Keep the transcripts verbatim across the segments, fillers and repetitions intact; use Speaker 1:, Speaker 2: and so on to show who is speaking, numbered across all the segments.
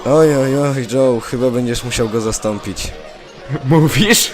Speaker 1: Oj, oj, oj, Joe, chyba będziesz musiał go zastąpić.
Speaker 2: Mówisz?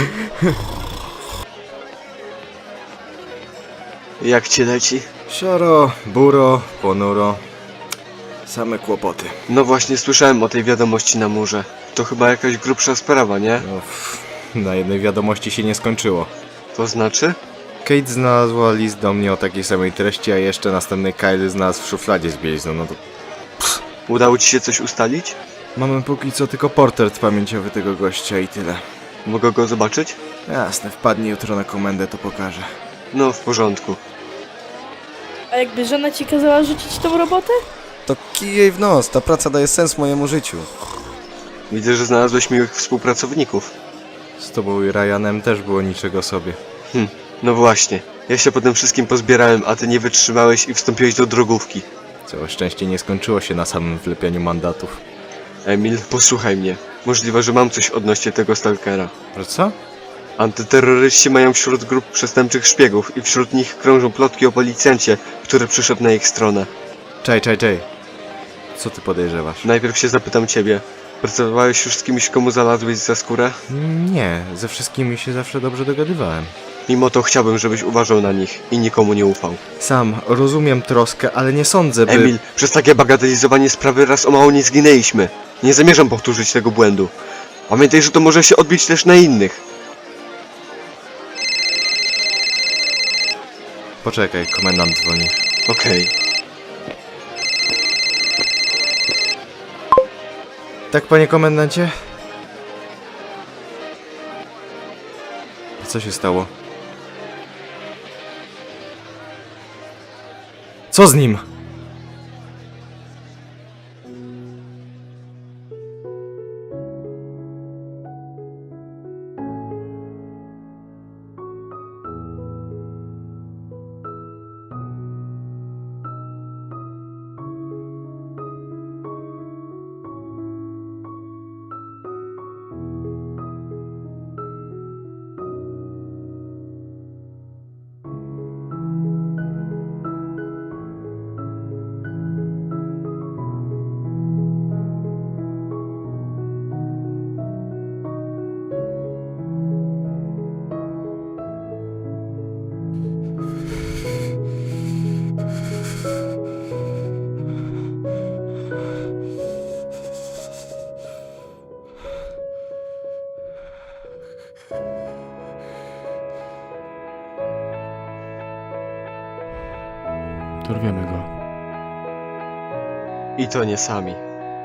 Speaker 3: Jak ci leci?
Speaker 2: Siaro, buro, ponuro. Same kłopoty.
Speaker 3: No właśnie słyszałem o tej wiadomości na murze. To chyba jakaś grubsza sprawa, nie?
Speaker 2: No, pff, na jednej wiadomości się nie skończyło.
Speaker 3: To znaczy?
Speaker 2: Kate znalazła list do mnie o takiej samej treści, a jeszcze następny Kyle znalazł w szufladzie z bielizną, no to...
Speaker 3: Udało ci się coś ustalić?
Speaker 2: Mamy póki co tylko portret pamięciowy tego gościa i tyle.
Speaker 3: Mogę go zobaczyć?
Speaker 2: Jasne, wpadnie jutro na komendę, to pokażę.
Speaker 3: No, w porządku.
Speaker 4: A jakby żona ci kazała rzucić tą robotę?
Speaker 1: To kij jej w nos, ta praca daje sens mojemu życiu.
Speaker 3: Widzę, że znalazłeś miłych współpracowników.
Speaker 2: Z tobą i Ryanem też było niczego sobie.
Speaker 3: Hm, no właśnie. Ja się po tym wszystkim pozbierałem, a ty nie wytrzymałeś i wstąpiłeś do drogówki.
Speaker 2: Całe szczęście nie skończyło się na samym wlepianiu mandatów.
Speaker 3: Emil, posłuchaj mnie. Możliwe, że mam coś odnośnie tego stalkera.
Speaker 2: Że co?
Speaker 3: Antyterroryści mają wśród grup przestępczych szpiegów i wśród nich krążą plotki o policjancie, który przyszedł na ich stronę.
Speaker 2: Czej, czej, czej. Co ty podejrzewasz?
Speaker 3: Najpierw się zapytam ciebie. Pracowałeś już z kimś, komu znalazłeś za skórę?
Speaker 2: Nie, ze wszystkimi się zawsze dobrze dogadywałem.
Speaker 3: Mimo to chciałbym, żebyś uważał na nich i nikomu nie ufał.
Speaker 2: Sam rozumiem troskę, ale nie sądzę, by...
Speaker 3: Emil, przez takie bagatelizowanie sprawy raz o mało nie zginęliśmy. Nie zamierzam powtórzyć tego błędu. Pamiętaj, że to może się odbić też na innych.
Speaker 2: Poczekaj, komendant dzwoni.
Speaker 3: Okej.
Speaker 2: Tak, panie komendancie? Co się stało? Co z nim?
Speaker 5: Dorwiemy go.
Speaker 3: I to nie sami.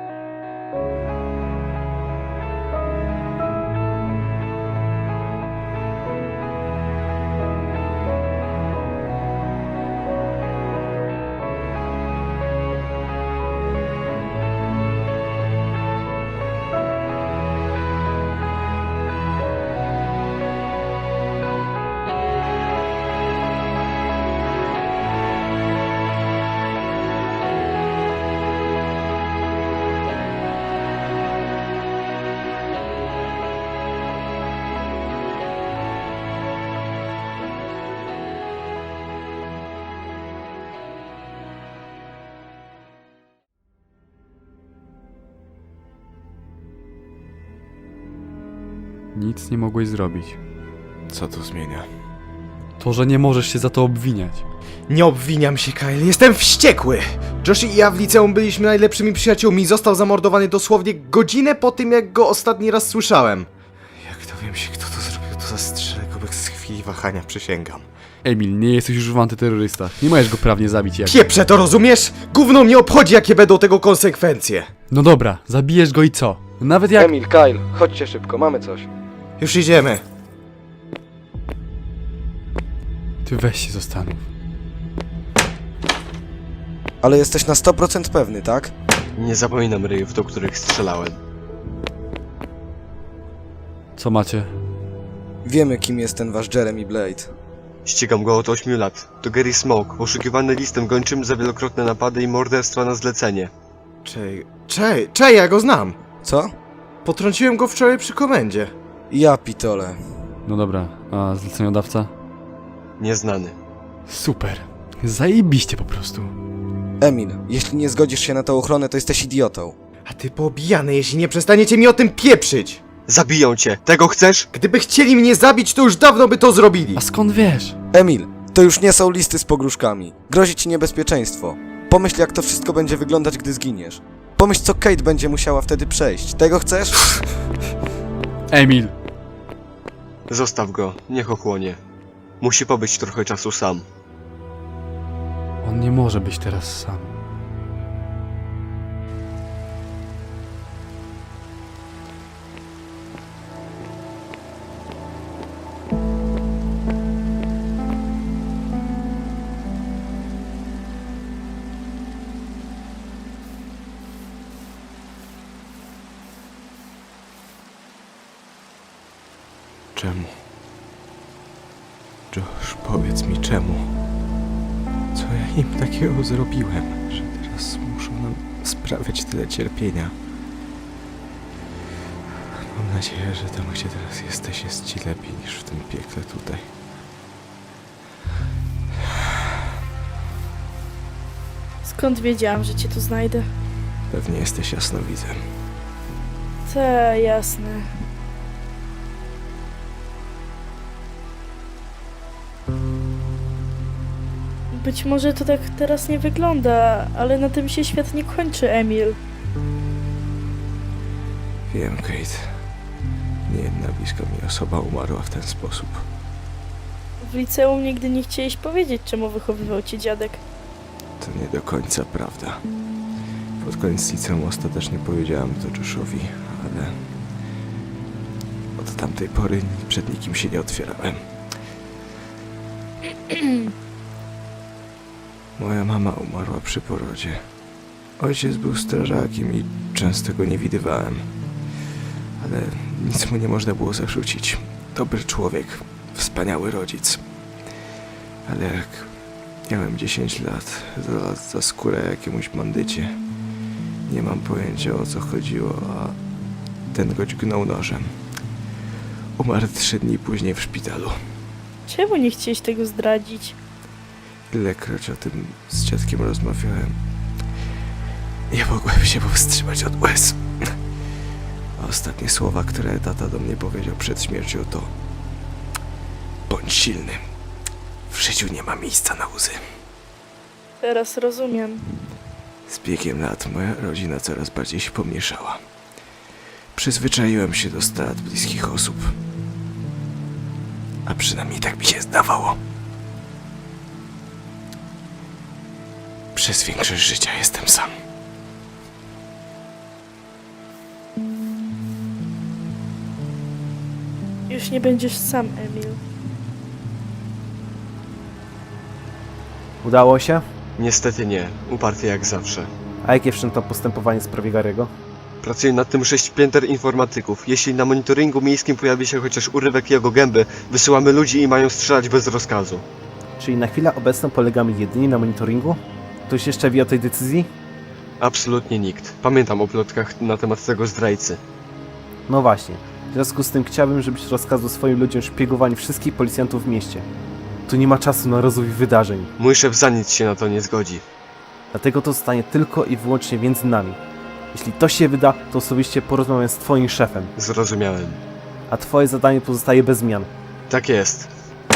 Speaker 5: Nic nie mogłeś zrobić.
Speaker 2: Co to zmienia?
Speaker 5: To, że nie możesz się za to obwiniać.
Speaker 2: Nie obwiniam się, Kyle, jestem wściekły! Josh i ja w liceum byliśmy najlepszymi przyjaciółmi. Został zamordowany dosłownie godzinę po tym, jak go ostatni raz słyszałem. Jak dowiem się, kto to zrobił, to zastrzelę go bez chwili wahania, przysięgam.
Speaker 5: Emil, nie jesteś już w antyterrorystach. Nie możesz go prawnie zabić jak...
Speaker 2: Pieprze to, rozumiesz? Gówno mnie obchodzi, jakie będą tego konsekwencje.
Speaker 5: No dobra, zabijesz go i co? Nawet jak...
Speaker 1: Emil, Kyle, chodźcie szybko, mamy coś.
Speaker 2: Już idziemy.
Speaker 5: Ty weź się zastanów.
Speaker 1: Ale jesteś na sto procent pewny, tak?
Speaker 3: Nie zapominam ryjów, do których strzelałem.
Speaker 5: Co macie?
Speaker 1: Wiemy, kim jest ten wasz Jeremy Blade.
Speaker 3: Ścigam go od ośmiu lat. To Gary Smoke, poszukiwany listem gończym za wielokrotne napady i morderstwa na zlecenie.
Speaker 2: Czej, czej, czej, ja go znam.
Speaker 1: Co?
Speaker 2: Potrąciłem go wczoraj przy komendzie.
Speaker 1: Ja pitole.
Speaker 5: No dobra, a zleceniodawca?
Speaker 3: Nieznany.
Speaker 5: Super. Zajebiście po prostu.
Speaker 1: Emil, jeśli nie zgodzisz się na tę ochronę, to jesteś idiotą.
Speaker 2: A ty poobijany, jeśli nie przestaniecie mi o tym pieprzyć!
Speaker 3: Zabiją cię. Tego chcesz?
Speaker 2: Gdyby chcieli mnie zabić, to już dawno by to zrobili!
Speaker 5: A skąd wiesz?
Speaker 1: Emil, to już nie są listy z pogróżkami. Grozi ci niebezpieczeństwo. Pomyśl, jak to wszystko będzie wyglądać, gdy zginiesz. Pomyśl, co Kate będzie musiała wtedy przejść. Tego chcesz?
Speaker 5: Emil.
Speaker 3: Zostaw go. Niech ochłonie. Musi pobyć trochę czasu sam.
Speaker 5: On nie może być teraz sam.
Speaker 2: Czemu? Josh, powiedz mi czemu? Co ja im takiego zrobiłem, że teraz muszą nam sprawiać tyle cierpienia? Mam nadzieję, że tam, gdzie teraz jesteś, jest ci lepiej niż w tym piekle tutaj.
Speaker 4: Skąd wiedziałam, że cię tu znajdę?
Speaker 2: Pewnie jesteś jasnowidzem.
Speaker 4: Te, jasne. Być może to tak teraz nie wygląda, ale na tym się świat nie kończy, Emil.
Speaker 2: Wiem, Kate. Niejedna bliska mi osoba umarła w ten sposób.
Speaker 4: W liceum nigdy nie chcieliś powiedzieć, czemu wychowywał cię dziadek.
Speaker 2: To nie do końca prawda. Pod koniec liceum ostatecznie powiedziałem to Joshowi, ale od tamtej pory przed nikim się nie otwierałem. Moja mama umarła przy porodzie. Ojciec był strażakiem i często go nie widywałem. Ale nic mu nie można było zarzucić. Dobry człowiek, wspaniały rodzic. Ale jak miałem dziesięć lat, znalazł za skórę jakiemuś bandycie. Nie mam pojęcia, o co chodziło, a ten go dźgnął nożem. Umarł trzy dni później w szpitalu.
Speaker 4: Czemu nie chcieliś tego zdradzić?
Speaker 2: Ilekroć o tym z dziadkiem rozmawiałem, nie mogłem się powstrzymać od łez. A ostatnie słowa, które tata do mnie powiedział przed śmiercią, to: bądź silny. W życiu nie ma miejsca na łzy.
Speaker 4: Teraz rozumiem.
Speaker 2: Z biegiem lat moja rodzina coraz bardziej się pomniejszała. Przyzwyczaiłem się do strat bliskich osób. A przynajmniej tak mi się zdawało. Przez większość życia jestem sam.
Speaker 4: Już nie będziesz sam, Emil.
Speaker 6: Udało się?
Speaker 3: Niestety nie. Uparty jak zawsze.
Speaker 6: A jakie wszczęto postępowanie w sprawie Gary'ego?
Speaker 3: Pracuje nad tym sześć pięter informatyków. Jeśli na monitoringu miejskim pojawi się chociaż urywek jego gęby, wysyłamy ludzi i mają strzelać bez rozkazu.
Speaker 6: Czyli na chwilę obecną polegamy jedynie na monitoringu? Ktoś jeszcze wie o tej decyzji?
Speaker 3: Absolutnie nikt. Pamiętam o plotkach na temat tego zdrajcy.
Speaker 6: No właśnie. W związku z tym chciałbym, żebyś rozkazał swoim ludziom szpiegowanie wszystkich policjantów w mieście. Tu nie ma czasu na rozwój wydarzeń.
Speaker 3: Mój szef za nic się na to nie zgodzi.
Speaker 6: Dlatego to zostanie tylko i wyłącznie między nami. Jeśli to się wyda, to osobiście porozmawiam z twoim szefem.
Speaker 3: Zrozumiałem.
Speaker 6: A twoje zadanie pozostaje bez zmian.
Speaker 3: Tak jest.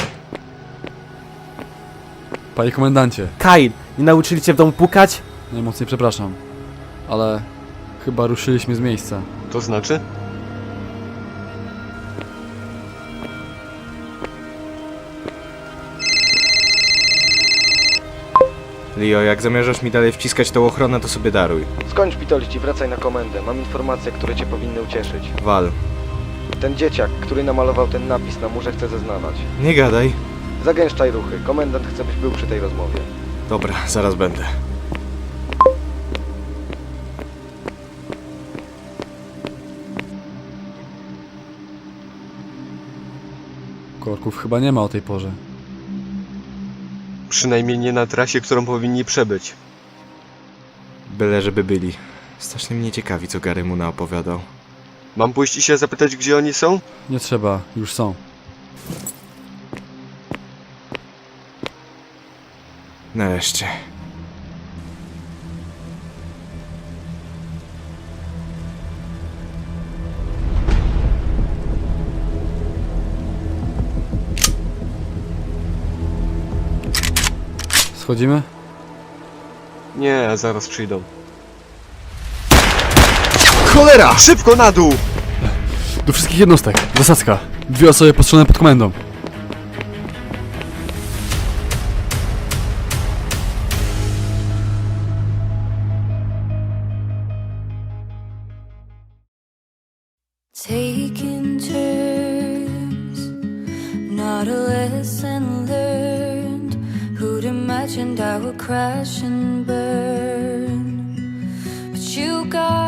Speaker 5: Panie komendancie,
Speaker 6: Kyle, nie nauczyli cię w domu pukać?
Speaker 5: najmocniej przepraszam, ale chyba ruszyliśmy z miejsca.
Speaker 3: To znaczy?
Speaker 2: Leo, jak zamierzasz mi dalej wciskać tą ochronę, to sobie daruj.
Speaker 7: Skończ pitolić i wracaj na komendę. Mam informacje, które cię powinny ucieszyć.
Speaker 2: Wal.
Speaker 7: Ten dzieciak, który namalował ten napis na murze, chce zeznawać.
Speaker 2: Nie gadaj.
Speaker 7: Zagęszczaj ruchy. Komendant chce, byś był przy tej rozmowie.
Speaker 2: Dobra, zaraz będę.
Speaker 5: Korków chyba nie ma o tej porze.
Speaker 3: Przynajmniej nie na trasie, którą powinni przebyć.
Speaker 2: Byle żeby byli. Strasznie mnie ciekawi, co Gary mu naopowiadał.
Speaker 3: Mam pójść i się zapytać, gdzie oni są?
Speaker 5: Nie trzeba, już są.
Speaker 2: Nareszcie.
Speaker 5: Schodzimy?
Speaker 3: Nie, zaraz przyjdą.
Speaker 2: Cholera!
Speaker 3: Szybko na dół!
Speaker 5: Do wszystkich jednostek. Zasadzka. Dwie osoby postrzelone pod komendą.
Speaker 8: Taking turns, not a lesson learned. Who'd imagined I would crash and burn? But you got